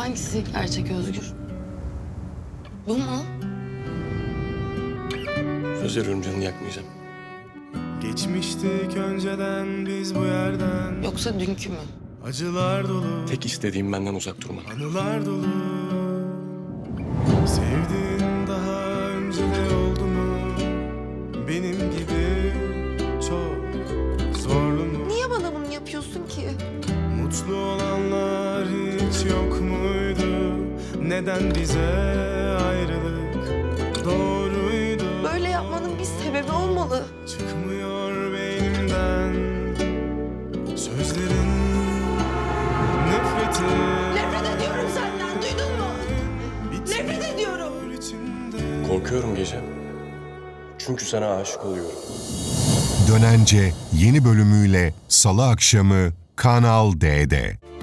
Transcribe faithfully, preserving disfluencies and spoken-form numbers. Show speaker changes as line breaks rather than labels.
Hangisi gerçek Özgür? Bu mu?
Söz veriyorum, canını yakmayacağım.
Geçmiştik önceden biz bu yerden.
Yoksa dünkü mü?
Acılar dolu,
Tek istediğim benden uzak durman.
anılar dolu. Sevdiğin daha önce de oldu mu? Benim gibi çok zorlu mu?
Niye bana bunu yapıyorsun ki?
Mutlu olanlar hiç yok muydu? Neden bize ayrılık doğruydu?
Böyle yapmanın bir sebebi olmalı.
Çıkmıyor beynimden sözlerin, nefreti.
Nefret ediyorum senden, duydun mu? Nefret ediyorum.
içimde.
Korkuyorum gece. Çünkü sana aşık oluyorum.
Dönence yeni bölümüyle Salı akşamı Kanal D'de.